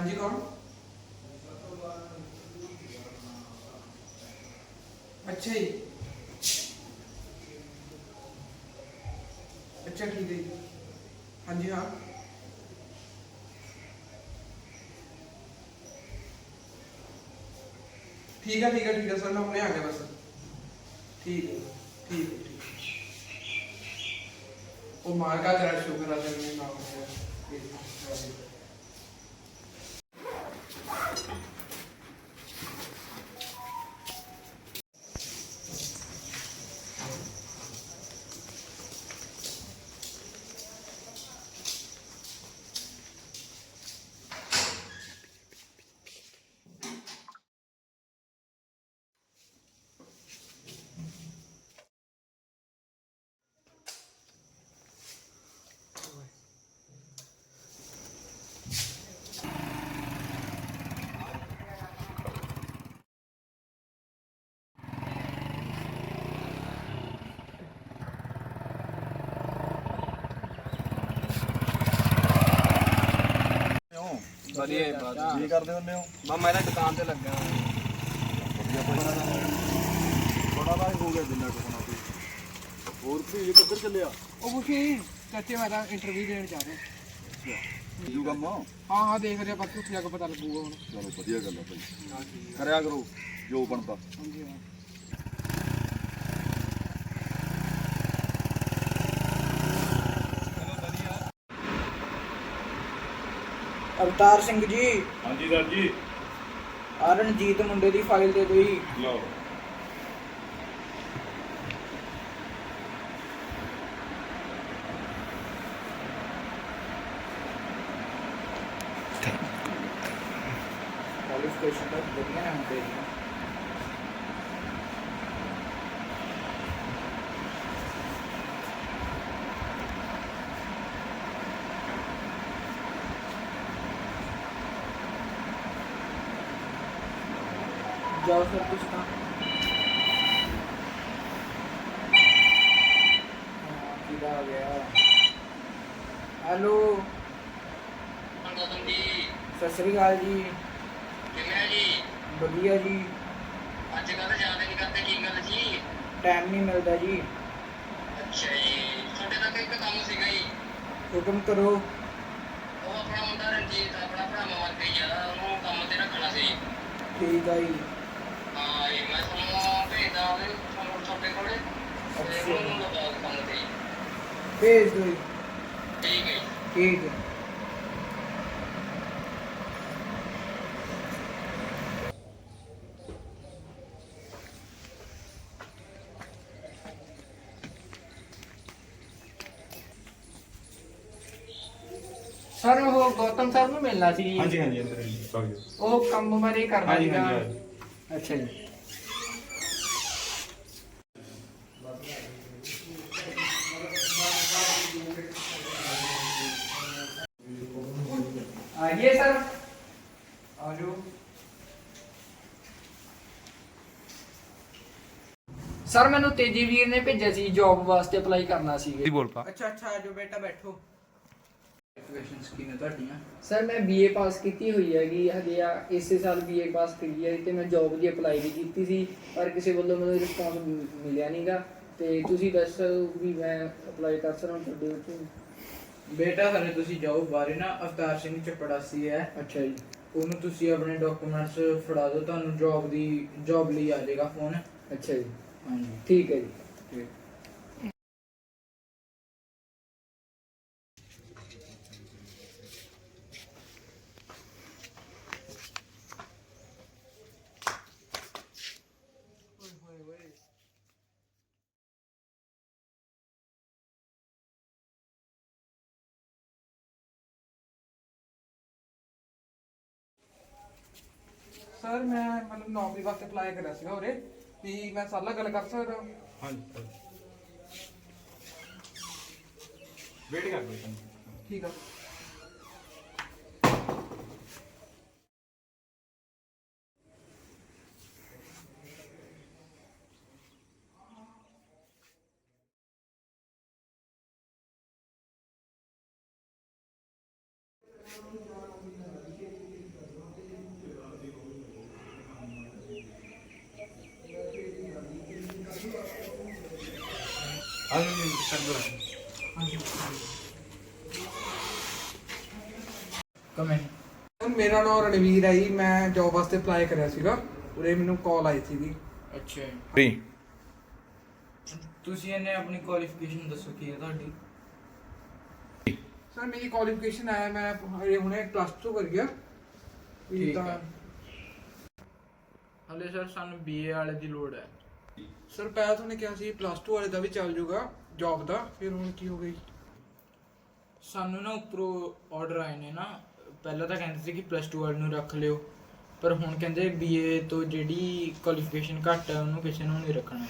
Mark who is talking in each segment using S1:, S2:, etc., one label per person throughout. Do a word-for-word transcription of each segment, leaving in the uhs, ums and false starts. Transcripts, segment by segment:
S1: हाँ जी कौन? अच्छा जी। अच्छा ठीक है जी। हाँ जी हाँ। ठीक है ठीक है ठीक है सर, मैं अपने आ गया बस। ठीक है ठीक है ठीक है। वो मार का तेरा शुक्र है तेरे नाम से।
S2: ਵਧੀਆ ਬਾਤ
S3: ਕੀ ਕਰਦੇ ਹੁੰਦੇ ਹੋ?
S2: ਬਾ ਮੈਂ ਤਾਂ ਦੁਕਾਨ ਤੇ ਲੱਗਾ
S3: ਵਧੀਆ ਬੜਾ ਦਾ ਬੜਾ ਦਾ ਹੋ ਗਿਆ ਜਿੰਨਾ ਕੁ ਹੋਣਾ ਸੀ। ਹੋਰ ਵੀ ਕਿੱਧਰ ਚੱਲਿਆ?
S1: ਉਹ ਕੁਛ ਨਹੀਂ ਚਾਚੇ, ਮੈਂ ਤਾਂ ਇੰਟਰਵਿਊ ਦੇਣ ਜਾ ਰਿਹਾ।
S3: ਜੂ ਕੰਮ
S1: ਹਾਂ ਹਾਂ ਦੇਖ ਰਿਹਾ, ਬਾਕੀ ਉੱਥੇ ਜਾ ਕੇ ਪਤਾ ਲੱਗੂਗਾ ਹੁਣ।
S3: ਚਲੋ ਵਧੀਆ ਗੱਲ ਆ ਭਾਈ, ਕਰਿਆ ਕਰੋ ਜੋ ਬਣਦਾ।
S1: ਹਾਂਜੀ ਹਾਂ। ਅਵਤਾਰ ਸਿੰਘ ਜੀ।
S3: ਹਾਂਜੀ ਸਰ ਜੀ।
S1: ਆ ਰਣਜੀਤ ਮੁੰਡੇ ਦੀ ਫਾਈਲ ਦੇ ਦਿਓ ਜੀ।
S3: ਲਓ
S1: ਕੁਆਲੀਫਿਕੇਸ਼ਨ ਤਾਂ ਵਧੀਆ ਨਾ ਹੁੰਦੇ ਜੀ। ਜਾਓ ਫਿਰ ਕੁਛ ਤਾਂ ਕਿਹਦਾ ਆ ਗਿਆ। ਹੈਲੋ ਸਤਿ ਸ੍ਰੀ ਅਕਾਲ ਜੀ।
S4: ਕਿਵੇਂ ਜੀ?
S1: ਵਧੀਆ ਜੀ।
S4: ਅੱਜ ਕੱਲ੍ਹ ਯਾਦ ਨਹੀਂ ਕਰਦੇ, ਕੀ ਗੱਲ ਜੀ?
S1: ਟਾਈਮ ਨਹੀਂ ਮਿਲਦਾ ਜੀ।
S4: ਅੱਛਾ ਜੀ, ਤੁਹਾਡੇ ਨਾਲ ਇੱਕ ਕੰਮ ਸੀਗਾ ਜੀ।
S1: ਹੁਕਮ ਕਰੋ।
S4: ਉਹ ਆਪਣਾ ਮੁੰਡਾ ਰਣਜੀਤ, ਆਪਣਾ ਭਰਾ ਮਰ ਗਈ ਆ, ਉਹਨੂੰ ਕੰਮ ਤੇ ਰੱਖਣਾ ਸੀ।
S1: ਠੀਕ ਆ ਜੀ।
S4: ਹਾਂ ਜੀ, ਮੈਂ ਤੁਹਾਨੂੰ ਭੇਜਦਾ ਉਹਦੇ ਤੁਹਾਨੂੰ ਤੁਹਾਡੇ ਕੋਲੇ ਤੇ ਉਹਨੂੰ ਲਗਾ ਦਿਓ ਕੰਮ ਤੇ ਜੀ।
S1: ਭੇਜ ਦਿਓ ਜੀ।
S4: ਠੀਕ ਹੈ ਜੀ।
S1: ਠੀਕ ਹੈ। ਸਰ ਉਹ ਗੌਤਮ ਸਰ ਨੂੰ ਮਿਲਣਾ ਸੀ ਜੀ।
S3: ਹਾਂਜੀ ਹਾਂਜੀ ਅੰਦਰ ਜੀ ਸੌਰੀ।
S1: ਉਹ ਕੰਮ ਬਾਰੇ ਕਰਨਾ
S3: ਹਾਂਜੀ
S1: ਸੀਗਾ।
S3: ਹਾਂਜੀ
S1: ਅੱਛਾ ਜੀ। आइए सर, आ जाओ। ਸਰ ਮੈਨੂੰ ਤੇਜੀ ਵੀਰ ਨੇ ਭੇਜਿਆ ਸੀ ਜੌਬ ਵਾਸਤੇ ਅਪਲਾਈ ਕਰਨਾ ਸੀ।
S2: ਜੀ ਬੋਲ ਪਾ।
S1: ਅੱਛਾ ਅੱਛਾ, ਆਜੋ ਬੇਟਾ ਬੈਠੋ। ਕੁਆਲੀਫਿਕੇਸ਼ਨ ਕੀ ਨੇ ਤੁਹਾਡੀਆਂ?
S5: ਸਰ ਮੈਂ ਬੀਏ ਪਾਸ ਕੀਤੀ ਹੋਈ ਹੈਗੀ ਹਜੇ ਆ, ਇਸੇ ਸਾਲ ਬੀਏ ਪਾਸ ਕਰੀ ਹੈ ਤੇ ਮੈਂ ਜੌਬ ਦੀ ਅਪਲਾਈ ਵੀ ਕੀਤੀ ਸੀ, ਪਰ ਕਿਸੇ ਵੱਲੋਂ ਮੈਨੂੰ ਰਿਸਪੌਂਸ ਮਿਲਿਆ ਨਹੀਂਗਾ। ਤੇ ਤੁਸੀਂ ਦੱਸੋ ਵੀ ਮੈਂ ਅਪਲਾਈ ਕਰ ਸਕਦਾ ਤੁਹਾਡੇ ਉੱਤੇ?
S1: ਬੇਟਾ ਹਲੇ ਤੁਸੀਂ ਜੌਬ ਬਾਰੇ ਨਾ ਅਵਤਾਰ ਸਿੰਘ ਚਪੜਾਸੀ ਹੈ।
S5: ਅੱਛਾ ਜੀ।
S1: ਉਹਨੂੰ ਤੁਸੀਂ ਆਪਣੇ ਡਾਕੂਮੈਂਟਸ ਫੜਾ ਦਿਓ, ਤੁਹਾਨੂੰ ਜੌਬ ਦੀ ਜੌਬ ਲਈ ਆ ਜਾਏਗਾ ਫੋਨ।
S5: ਅੱਛਾ ਜੀ,
S1: ਹਾਂਜੀ
S5: ਠੀਕ ਹੈ ਜੀ।
S1: ਠੀਕ। ਸਰ ਮੈਂ ਮਤਲਬ ਨੌਕਰੀ ਵਾਸਤੇ ਅਪਲਾਈ ਕਰਿਆ ਸੀਗਾ ਉਰੇ, ਵੀ ਮੈਂ ਸਾਲਾ ਗੱਲ ਕਰ ਸਕਦਾ?
S3: ਹਾਂਜੀ ਵੇਟ ਕਰ ਲਓ।
S1: ਠੀਕ ਆ।
S5: ਕਮੈਂਟ
S1: ਸਰ ਮੇਰਾ ਨਾਮ ਰਣਵੀਰ ਹੈ ਜੀ, ਮੈਂ ਜੌਬ ਵਾਸਤੇ ਅਪਲਾਈ ਕਰਿਆ ਸੀਗਾ, ਉਰੇ ਮੈਨੂੰ ਕਾਲ ਆਈ ਸੀਗੀ।
S5: ਅੱਛਾ
S3: ਫ੍ਰੀ
S5: ਤੁਸੀਂ ਇਹਨੇ ਆਪਣੀ ਕੁਆਲੀਫਿਕੇਸ਼ਨ ਦੱਸੋ ਕੀ ਹੈ ਤੁਹਾਡੀ?
S1: ਸਰ ਮੇਰੀ ਕੁਆਲੀਫਿਕੇਸ਼ਨ ਹੈ, ਮੈਂ ਹਜੇ ਹੁਣੇ ਪਲੱਸ ਟੂ ਕਰ ਗਿਆ। ਵੀ
S5: ਠੀਕ
S1: ਤਾਂ
S5: ਹੈ। ਹਲੇ ਸਰ ਸਾਨੂੰ ਬੀਏ ਵਾਲੇ ਦੀ ਲੋੜ ਹੈ।
S1: ਸਰ ਪਹਿਲਾਂ ਤੁਹਾਨੂੰ ਕਿਹਾ ਸੀ ਪਲੱਸ ਟੂ ਵਾਲੇ ਦਾ ਵੀ ਚੱਲ ਜੂਗਾ ਜੌਬ ਦਾ, ਫਿਰ ਹੁਣ ਕੀ ਹੋ ਗਈ?
S5: ਸਾਨੂੰ ਨਾ ਉੱਪਰੋਂ ਆਰਡਰ ਆਏ ਨੇ ਨਾ, ਪਹਿਲਾਂ ਤਾਂ ਕਹਿੰਦੇ ਸੀ ਕਿ ਪਲੱਸ ਟੂ ਵਾਲੇ ਨੂੰ ਰੱਖ ਲਿਓ, ਪਰ ਹੁਣ ਕਹਿੰਦੇ ਬੀਏ ਤੋਂ ਜਿਹੜੀ ਕੁਆਲੀਫਿਕੇਸ਼ਨ ਘੱਟ ਹੈ ਉਹਨੂੰ ਕਿਸੇ ਨੂੰ ਨਹੀਂ ਰੱਖਣਾ।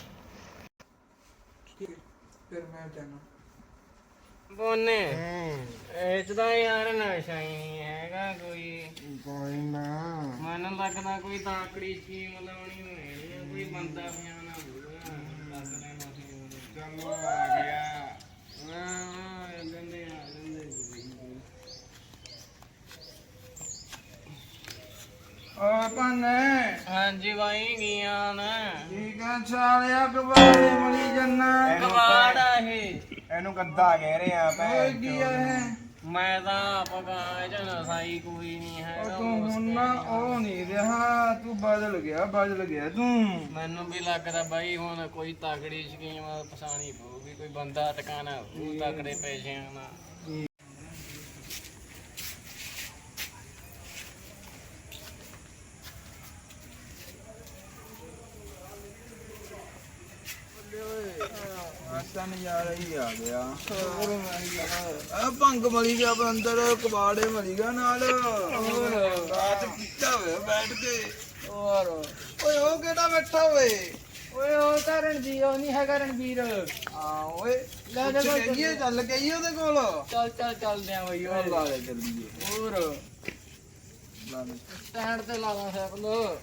S1: ਠੀਕ ਹੈ, ਫਿਰ ਮੈਂ ਜਾਣਾ।
S2: ਬੋਨੇ ਇਹ ਚ ਤਾਂ ਯਾਰ ਨਸ਼ਾ ਹੀ ਨਹੀਂ ਹੈਗਾ ਕੋਈ।
S3: ਕੋਈ ਨਾ
S2: ਮੈਨੂੰ ਲੱਗਦਾ ਕੋਈ ਤਾਕੜੀ ਸਕੀਮ ਲਾਉਣੀ ਹੋਣੀ ਆ, ਕੋਈ ਬੰਦਾ ਪਿਆਣਾ ਹੋਊਗਾ ਦੱਸ ਲੈਣਾ ਸੀ। ਚਲੋ ਆ ਗਿਆ ਹਾਂ ਗੰਦੇ ਆ ਗੰਦੇ
S3: ਓ ਪਾਨੇ
S2: ਹਾਂਜੀ ਬਾਈ ਗਿਆ ਨਾ
S3: ਠੀਕ ਆ ਸਾਲਿਆ ਕਬਾੜੇ ਮਲੀ ਜੰਨਾ
S2: ਕਵਾੜਾ ਇਹ
S3: ਇਹਨੂੰ ਕੱਦਾ ਕਹਿ ਰਹੇ ਆ ਭੈਣ ਕੀ ਇਹ
S2: ਮੈਂ ਤਾਂ ਪਗਾ ਚ ਨਸਾਈ ਕੋਈ ਨਹੀਂ ਹੈ।
S3: ਉਹ ਤੂੰ ਹੁਣ ਨਾ ਉਹ ਨਹੀਂ ਰਿਹਾ, ਤੂੰ ਬਦਲ ਗਿਆ ਬਦਲ ਗਿਆ ਤੂੰ।
S2: ਮੈਨੂੰ ਵੀ ਲੱਗਦਾ ਬਾਈ ਹੁਣ ਕੋਈ ਤਾਕੜੀ ਸਕੀਮ ਪਛਾਣੀ ਪਊਗੀ, ਕੋਈ ਬੰਦਾ ਟਿਕਾਣਾ ਹੋਊ ਤਾਕੜੇ ਪੈਸਿਆਂ ਨਾਲ।
S3: ਆਸਾ ਨਜ਼ਾਰਾ ਹੀ ਆ ਗਿਆ। ਆ ਭੰਗ ਮਲੀ ਗਿਆ ਅੰਦਰ, ਕਬਾੜੇ ਮਲੀ ਗਿਆ ਨਾਲ। ਰਾਤ ਕੀਤਾ ਹੋਇਆ ਬੈਠ ਕੇ।
S5: ਹੋਰ
S3: ਓਏ ਉਹ ਕਿਹੜਾ ਬੈਠਾ ਓਏ?
S5: ਓਏ ਉਹ ਤਾਂ ਰਣਜੀਤ ਉਹ ਨਹੀਂ ਹੈਗਾ ਰਣਵੀਰ।
S3: ਹਾਂ ਓਏ
S5: ਲੈ ਜਾ
S3: ਪੁੱਛ ਲਈਏ, ਚੱਲ ਗਈ ਉਹਦੇ ਕੋਲ।
S5: ਚੱਲ ਚੱਲ ਚੱਲਦੇ ਆ ਬਈ
S3: ਉਹ ਲਾ ਲੈ ਚੱਲੀਏ।
S5: ਹੋਰ
S3: ਲਾ ਲੈ।
S5: ਸਟੈਂਡ ਤੇ ਲਾ ਲਾ ਸਾਈਕਲ।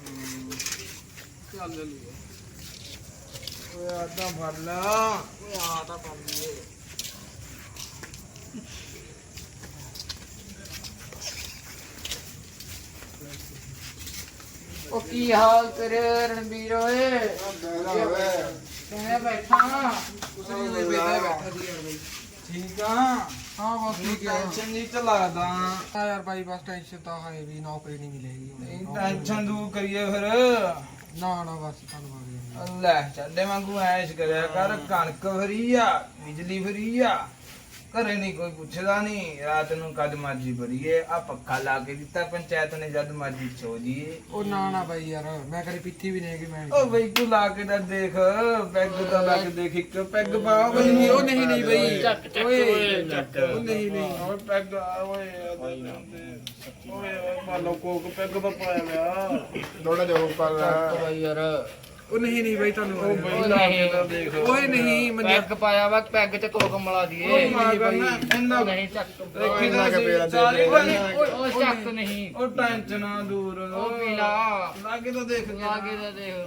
S5: ਚੱਲ ਲਈਏ।
S3: ਓਏ ਆਦਾ ਫੜ ਲਾ।
S5: ਓਏ ਆ ਤਾਂ ਕਰ ਲਈਏ। ਉਹ ਕੀ ਹਾਲ ਤੇਰੇ ਰਣਵੀਰ ਓਏ? ਕਿਵੇਂ ਬੈਠਾ?
S1: ਕੁਛ ਨਹੀਂ ਹੋਈ, ਬੈਠਾ ਬੈਠਾ ਸੀ ਯਾਰ ਬਾਈ।
S3: ਠੀਕ ਆ।
S1: ਹਾਂ ਬਸ ਠੀਕ ਹੈ।
S3: ਟੈਨਸ਼ਨ ਨਹੀਂ ਤੇ ਲੱਗਦਾ।
S1: ਹਾਂ ਯਾਰ ਬਾਈ, ਬਸ ਟੈਨਸ਼ਨ ਤਾਂ ਹੈ ਵੀ ਨੌਕਰੀ ਨਹੀਂ ਮਿਲੇਗੀ
S3: ਨਹੀਂ
S1: ਹੁਣ।
S3: ਟੈਨਸ਼ਨ ਦੂਰ ਕਰੀਏ ਫਿਰ।
S1: ਨਾ ਨਾ ਬਸ ਧੰਨਵਾਦ।
S3: ਲੈ ਚੱਡੇ ਵਾਂਗੂ ਐਸ਼ ਕਰਿਆ ਕਰ। ਕਣਕ ਫਰੀ ਆ, ਬਿਜਲੀ ਫਰੀ ਆ, ਘਰੇ ਨਹੀਂ ਕੋਈ ਪੁੱਛਦਾ ਨਹੀਂ। ਰਾਤ ਨੂੰ ਕਦ ਮਰਜੀ ਭਰੀਏ, ਆ ਪੱਖਾ ਲਾ ਕੇ ਦਿੱਤਾ ਪੰਚਾਇਤ ਨੇ, ਜਦ ਮਰਜੀ ਸੋ ਜੀਏ।
S1: ਉਹ ਨਾ ਨਾ ਬਾਈ ਯਾਰ, ਮੈਂ ਕਦੇ ਪੀਤੀ ਵੀ ਨਹੀਂ ਕਿ ਮੈਂ
S3: ਓ ਬਈ ਤੂੰ ਲਾ ਕੇ ਤਾਂ ਦੇਖ, ਪੈਗ ਤਾਂ ਲਾ ਕੇ ਦੇਖ, ਇੱਕ ਪੈਗ ਪਾ ਬਈ।
S1: ਨਹੀਂ, ਉਹ ਨਹੀਂ ਨਹੀਂ ਬਈ।
S2: ਚੱਕ ਚੱਕ
S3: ਓਏ
S2: ਓਏ ਚੱਕ।
S1: ਉਹ ਨਹੀਂ ਨਹੀਂ।
S3: ਓਏ ਪੈਗ ਆ ਓਏ। ਓਏ ਮਾਲੋ ਕੋਕ ਪੈਗ ਤਾਂ ਪਾਇਆ ਗਿਆ। ਥੋੜਾ ਜਿਹਾ ਉੱਪਰ
S5: ਚੱਕ ਬਾਈ ਯਾਰ।
S1: ਉਹ ਨਹੀਂ ਨਹੀਂ ਬਾਈ,
S3: ਉਹ
S1: ਧੰਨਵਾਦ।
S3: ਬਈ ਲਾ ਕੇ ਤਾਂ ਦੇਖ।
S1: ਓਏ ਨਹੀਂ ਮੰਨਿਆ।
S5: ਪੈਗ ਪਾਇਆ ਵਾ, ਪੈਗ ਤੇ ਕੋਕ ਮਿਲਾ ਦੀਏ।
S3: ਓਏ ਮਾਰ ਕਰਨਾ ਇੰਨਾ
S5: ਨਹੀਂ ਚੱਕ।
S3: ਦੇਖੀ ਤਾਂ ਸੀ ਸਾਰੀ ਬਣੀ।
S5: ਓਏ ਉਹ ਚੱਕ ਨਹੀਂ।
S3: ਉਹ ਟੈਨਸ਼ਨਾਂ ਦੂਰ।
S5: ਉਹ ਪੀ ਲਾ।
S3: ਲਾ ਕੇ ਤਾਂ ਦੇਖ।
S5: ਲਾ ਕੇ ਤਾਂ ਦੇਖ।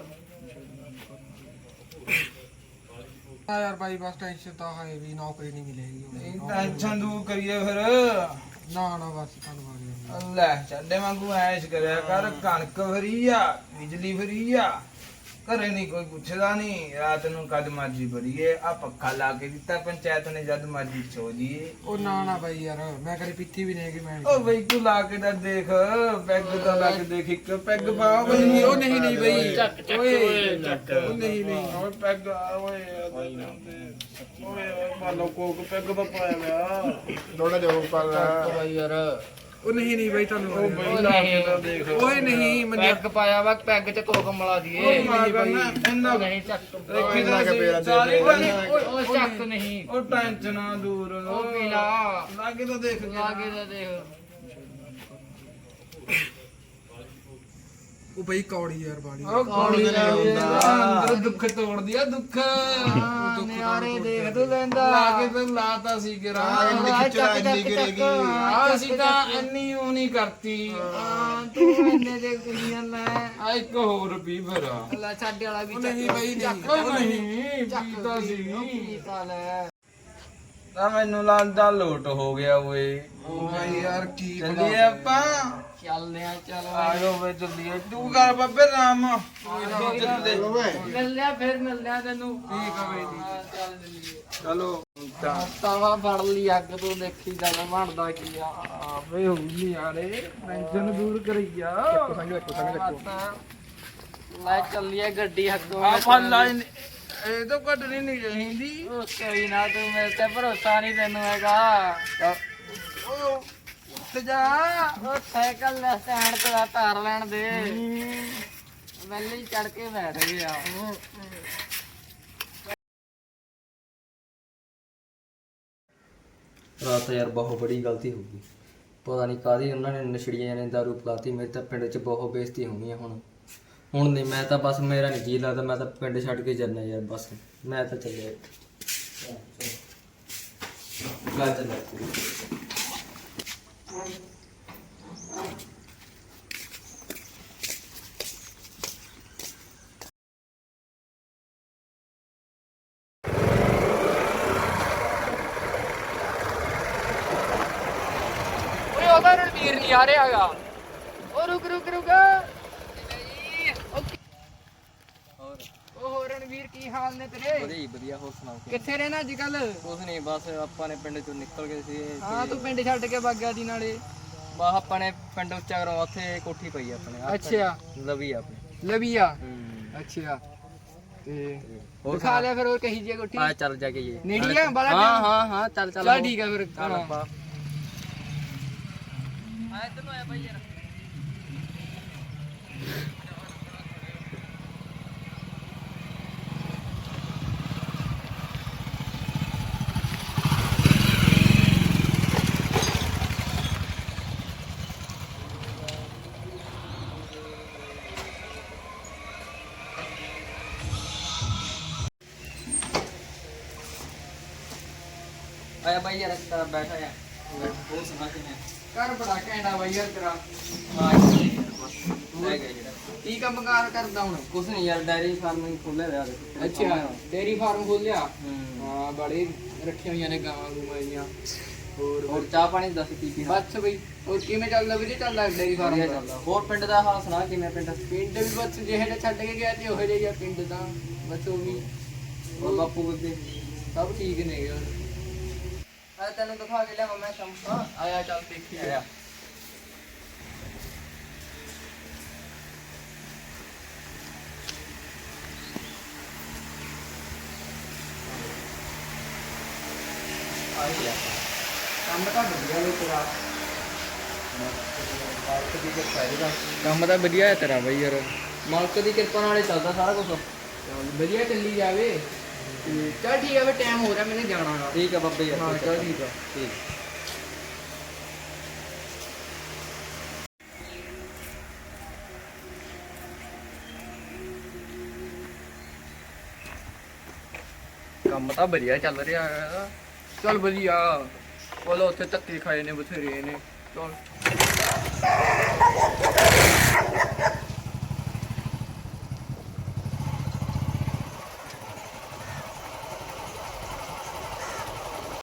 S1: ਹਾਂ ਯਾਰ ਬਾਈ, ਬਸ ਟੈਨਸ਼ਨ ਤਾਂ ਹੈ ਵੀ ਨੌਕਰੀ ਨਹੀਂ ਮਿਲੇਗੀ
S3: ਨਹੀਂ
S1: ਹੁਣ।
S3: ਟੈਨਸ਼ਨ ਦੂਰ ਕਰੀਏ ਫਿਰ।
S1: ਨਾ ਨਾ ਬਸ ਧੰਨਵਾਦ।
S3: ਲੈ ਚੱਡੇ ਵਾਂਗੂ ਐਸ਼ ਕਰਿਆ ਕਰ। ਕਣਕ ਫਰੀ ਆ, ਬਿਜਲੀ ਫਰੀ ਆ, ਘਰੇ ਨਹੀਂ ਕੋਈ ਪੁੱਛਦਾ ਨਹੀਂ। ਰਾਤ ਨੂੰ ਕਦ ਮਰਜੀ ਭਰੀਏ, ਆ ਪੱਖਾ ਲਾ ਕੇ ਦਿੱਤਾ ਪੰਚਾਇਤ ਨੇ, ਜਦ ਮਰਜੀ ਸੋ ਜੀਏ।
S1: ਉਹ ਨਾ ਨਾ ਬਾਈ ਯਾਰ, ਮੈਂ ਕਦੇ ਪੀਤੀ ਵੀ ਨਹੀਂ ਕਿ ਮੈਂ
S3: ਓ ਬਈ ਤੂੰ ਲਾ ਕੇ ਤਾਂ ਦੇਖ, ਪੈਗ ਤਾਂ ਲਾ ਕੇ ਦੇਖ, ਇੱਕ ਪੈਗ ਪਾ ਬਈ।
S1: ਨਹੀਂ, ਉਹ ਨਹੀਂ ਨਹੀਂ ਬਈ।
S2: ਚੱਕ ਚੱਕ ਓਏ ਚੱਕ।
S1: ਉਹ ਨਹੀਂ ਨਹੀਂ।
S3: ਓਏ ਪੈਗ ਆ ਓਏ। ਓਏ ਮਾਲੋ ਕੋਕ ਪੈਗ ਤਾਂ ਪਾਇਆ ਗਿਆ। ਥੋੜਾ ਜਿਹਾ ਉੱਪਰ
S5: ਚੱਕ ਬਾਈ ਯਾਰ।
S1: ਉਹ ਨਹੀਂ ਨਹੀਂ ਬਾਈ,
S3: ਉਹ
S1: ਧੰਨਵਾਦ।
S3: ਬਈ ਲਾ ਕੇ ਤਾਂ ਦੇਖ।
S1: ਓਏ ਨਹੀਂ ਮੰਨਿਆ।
S5: ਪੈਗ ਪਾਇਆ ਵਾ, ਪੈਗ ਤੇ ਕੋਕ ਮਿਲਾ ਦੀਏ।
S3: ਓਏ ਮਾਰ ਕਰਨਾ ਇੰਨਾ
S5: ਨਹੀਂ ਚੱਕ।
S3: ਦੇਖੀ ਤਾਂ ਸੀ ਸਾਰੀ ਬਣੀ।
S5: ਓਏ ਉਹ ਚੱਕ ਨਹੀਂ।
S3: ਉਹ ਟੈਨਸ਼ਨਾਂ ਦੂਰ।
S5: ਉਹ ਪੀ ਲਾ।
S3: ਲਾ ਕੇ ਤਾਂ ਦੇਖ।
S5: ਲਾ ਕੇ ਤਾਂ ਦੇਖ।
S1: ਉਹ ਬਈ ਕੌੜੀ ਯਾਰ ਬਾੜੀ।
S3: ਉਹ
S5: ਕੌੜੀ ਨਹੀਂ ਹੁੰਦਾ।
S3: ਅੰਦਰ ਦੁੱਖ ਤੋੜਦੀ ਆ ਦੁੱਖ।
S5: ਨਿਆਰੇ ਦੇਖ ਤੂੰ ਲੈਂਦਾ।
S3: ਲਾ ਕੇ ਤਾਂ ਲਾਤਾ ਸੀ ਗਿਰਾ।
S5: ਚੱਕ ਚੱਕ ਚੱਕ।
S3: ਅਸੀਂ ਤਾਂ ਇੰਨੀ ਉਹ ਨਹੀਂ ਕਰਤੀ।
S5: ਹਾਂ ਤੂੰ ਇੰਨੇ ਦੇ ਕੁੜੀਆਂ ਲੈ।
S3: ਆ ਇੱਕ ਹੋਰ ਵੀ ਫਿਰ।
S5: ਲੈ ਸਾਡੇ ਵਾਲਾ ਵੀ
S1: ਉਹ ਨਹੀਂ ਬਈ, ਨਹੀਂ।
S5: ਚੱਕ।
S3: ਉਹ ਨਹੀਂ
S5: ਚੱਕ
S3: ਪੀਤਾ ਸੀ।
S5: ਪੀਤਾ ਲੈ।
S3: ਤਾਂ ਮੈਨੂੰ ਲੱਗਦਾ ਲੋਟ ਹੋ ਗਿਆ ਓਏ।
S1: ਉਹ ਬਾਈ ਯਾਰ ਕੀ
S3: ਚੱਲੀਏ ਆਪਾਂ।
S5: ਚੱਲਦੇ ਆ ਚੱਲ
S3: ਆ ਜਾਓ ਵੇ ਚੱਲੀਏ। ਤੂੰ ਕਰ ਬੱਬੇ ਰਾਮ। ਚੱਲਦੇ।
S5: ਮਿਲ ਲਿਆ ਫਿਰ ਮਿਲ ਲਿਆ ਤੈਨੂੰ।
S1: ਠੀਕ ਆ ਬਈ,
S5: ਹਾਂ, ਚੱਲ ਜਲਦੀ।
S3: ਚਲੋ
S5: ਤਾਵਾ ਫੜ ਲਈ ਅੱਗ ਤੋਂ ਦੇਖੀ ਜਾਂਦਾ ਬਣਦਾ ਕੀ ਆ ਆਵੇ ਹੋਈ ਯਾਰੇ ਟੈਨਸ਼ਨ ਦੂਰ ਕਰਈਆ
S1: ਦੇਖੋ ਸੰਗ ਦੇਖੋ ਸੰਗ ਦੇਖੋ
S5: ਲੈ ਚੱਲੀਏ ਗੱਡੀ ਅੱਗੋਂ
S3: ਆ ਫਲ ਲਾਈਨ ਇਹ ਤਾਂ ਕੱਢਣੀ ਨਹੀਂ ਚਾਹੀਦੀ।
S5: ਉਹ ਕੋਈ ਨਾ ਤੂੰ ਮੇਰੇ ਤੇ ਭਰੋਸਾ ਨਹੀਂ ਤੈਨੂੰ ਹੈਗਾ
S3: ਉਹ ਉੱਠ ਜਾ।
S5: ਉਹ ਸਾਈਕਲ ਲੈ ਸਟੈਂਡ ਤੇ ਆ ਧਾਰ ਲੈਣ ਦੇ ਵੈਲੀ ਚੜ ਕੇ ਬੈਠ ਗਿਆ
S6: ਰਾਤ ਯਾਰ ਬਹੁਤ ਬੜੀ ਗਲਤੀ ਹੋ ਗਈ। ਪਤਾ ਨਹੀਂ ਕਾਹਦੀ ਉਹਨਾਂ ਨੇ ਨਸ਼ੜੀਆਂ ਨੇ ਦਾਰੂ ਪਲਾਤੀ। ਮੇਰੇ ਤਾਂ ਪਿੰਡ 'ਚ ਬਹੁਤ ਬੇਇੱਜ਼ਤੀ ਹੋਣੀ ਆ ਹੁਣ ਹੁਣ ਨਹੀਂ ਮੈਂ ਤਾਂ ਬਸ ਮੇਰਾ ਨਹੀਂ ਜੀ ਲੱਗਦਾ। ਮੈਂ ਤਾਂ ਪਿੰਡ ਛੱਡ ਕੇ ਚੱਲਣਾ ਯਾਰ ਬਸ ਮੈਂ ਤਾਂ ਚੱਲਿਆ ਗਾ ਚੱਲਿਆ
S5: ਓਏ ਉਹਦਾ ਰਣਵੀਰ ਨਹੀਂ ਆ ਰਿਹਾ ਹੈਗਾ ਉਹ ਰੁਕ ਰੁਕ ਰੁਕ ਉਹ ਰਣਵੀਰ ਕੀ ਹਾਲ ਨੇ ਤੇਰੇ
S6: ਵਧੀਆ ਜੀ ਵਧੀਆ। ਹੋਰ ਸੁਣਾਓ
S5: ਕਿੱਥੇ ਰਹਿਣਾ ਅੱਜ ਕੱਲ
S6: ਕੁਛ ਨਹੀਂ ਬਸ ਆਪਾਂ ਨੇ ਪਿੰਡ 'ਚੋਂ ਨਿਕਲ ਗਏ ਸੀ।
S5: ਹਾਂ ਤੂੰ ਪਿੰਡ ਛੱਡ ਕੇ ਵਗ ਗਿਆ ਦੀ ਨਾਲੇ
S6: ਬਸ ਆਪਾਂ ਨੇ ਪਿੰਡ ਉੱਚਾ ਕਰਵਾ ਉੱਥੇ ਕੋਠੀ ਪਈ ਆਪਣੇ ਆਹ
S5: ਅੱਛਾ
S6: ਲਵੀ ਆ ਆਪਣੀ।
S5: ਲਵੀਆ
S6: ਹੂੰ
S5: ਅੱਛਾ ਤੇ
S6: ਹੋਰ
S5: ਦਿਖਾ ਲਿਆ ਫਿਰ ਹੋਰ ਕਹੀ ਜੀ ਕੋਠੀ
S6: ਆ ਚੱਲ ਜਾ ਕੇ ਜੀ
S5: ਨੇੜੀ ਆ ਬਾਲਾ
S6: ਹਾਂ ਹਾਂ ਹਾਂ ਚੱਲ ਚੱਲ
S5: ਚੱਲ ਠੀਕ ਆ ਫਿਰ
S6: ਚੱਲ
S5: ਹਾਂ।
S6: ਆਪਾਂ ਆਇਆ ਬਾਈ ਯਾਰ ਤੇਰਾ ਬੈਠਾ ਆ ਹੋਰ ਸੁਣਾ ਕਿਵੇਂ
S5: ਘਰ ਬੜਾ ਘੈਂਟਾ ਬਾਈ ਯਾਰ ਤੇਰਾ
S6: ਹਾਂ ਲੈ ਗਿਆ ਜਿਹੜਾ
S5: ਕੀ ਕੰਮ ਕਾਰ ਕਰਦਾ ਹੁਣ
S6: ਕੁਛ ਨਹੀਂ ਯਾਰ ਡੈਰੀ ਫਾਰਮਿੰਗ ਖੋਲਿਆ ਹੋਇਆ ਦੇਖੋ।
S5: ਅੱਛਾ ਡੇਰੀ ਫਾਰਮ ਖੋਲਿਆ
S6: ਹੂੰ
S5: ਹਾਂ ਬੜੇ ਰੱਖੀਆਂ ਹੋਈਆਂ ਨੇ ਗਾਵਾਂ ਗੂਵਾਂ ਜੀਆਂ ਹੋਰ
S6: ਹੋਰ ਚਾਹ ਪਾਣੀ ਦੱਸ ਕੀ ਕੀ ਹਾਲ?
S5: ਬਸ ਬਈ ਹੋਰ ਕਿਵੇਂ ਚੱਲਦਾ ਵੀਰੇ ਚੱਲਦਾ ਡੇਰੀ ਫਾਰਮ
S6: ਵਧੀਆ
S5: ਦਾ?
S6: ਚੱਲਦਾ। ਹੋਰ ਪਿੰਡ ਦਾ ਹਾਲ ਸੁਣਾ ਕਿਵੇਂ ਪਿੰਡ
S5: ਪਿੰਡ ਵੀ ਬਸ ਜਿਹੇ ਜਿਹਾ ਛੱਡ ਕੇ ਗਿਆ ਤੇ ਉਹੋ ਜਿਹਾ ਪਿੰਡ ਤਾਂ ਬਸ ਉਹ ਵੀ
S6: ਹੋਰ ਬਾਪੂ ਬੇਬੇ
S5: ਸਭ ਠੀਕ ਨੇ ਯਾਰ
S6: ਆ ਤੈਨੂੰ ਦਿਖਾ ਕੇ ਲਿਆ ਮੈਂ ਸ਼ੰਪਾ
S5: ਆਇਆ ਚੱਲ ਦੇਖੀ
S6: ਆਇਆ ਆਇਆ
S5: ਕੰਮ ਤਾਂ ਵਧੀਆ ਵੇ ਤੇਰਾ
S6: ਮਾਲਕ ਦੀ ਕਿਰਪਾ ਇਹਦਾ
S5: ਕੰਮ ਤਾਂ ਵਧੀਆ ਹੈ ਤੇਰਾ ਬਈ ਯਾਰ
S6: ਮਾਲਕ ਦੀ ਕਿਰਪਾ ਨਾਲ ਹੀ ਚੱਲਦਾ ਸਾਰਾ ਕੁਝ।
S5: ਚੱਲ ਵਧੀਆ ਚੱਲੀ ਜਾਵੇ ਤੇ ਚੱਲ ਠੀਕ ਆ ਵੇ ਟਾਈਮ ਹੋ ਰਿਹਾ ਮੈਨੂੰ ਜਾਣਾ ਗਾ
S6: ਠੀਕ ਆ ਬੱਬੇ ਯਾਰ
S5: ਹਾਂ ਚੱਲ ਠੀਕ ਆ
S6: ਠੀਕ
S5: ਕੰਮ ਤਾਂ ਵਧੀਆ ਚੱਲ ਰਿਹਾ ਹੈ ਚੱਲ ਵਧੀਆ ਬੋਲੋ ਉੱਥੇ ਧੱਕੇ ਖਾਏ ਨੇ ਬਥੇਰੇ ਨੇ ਚੱਲ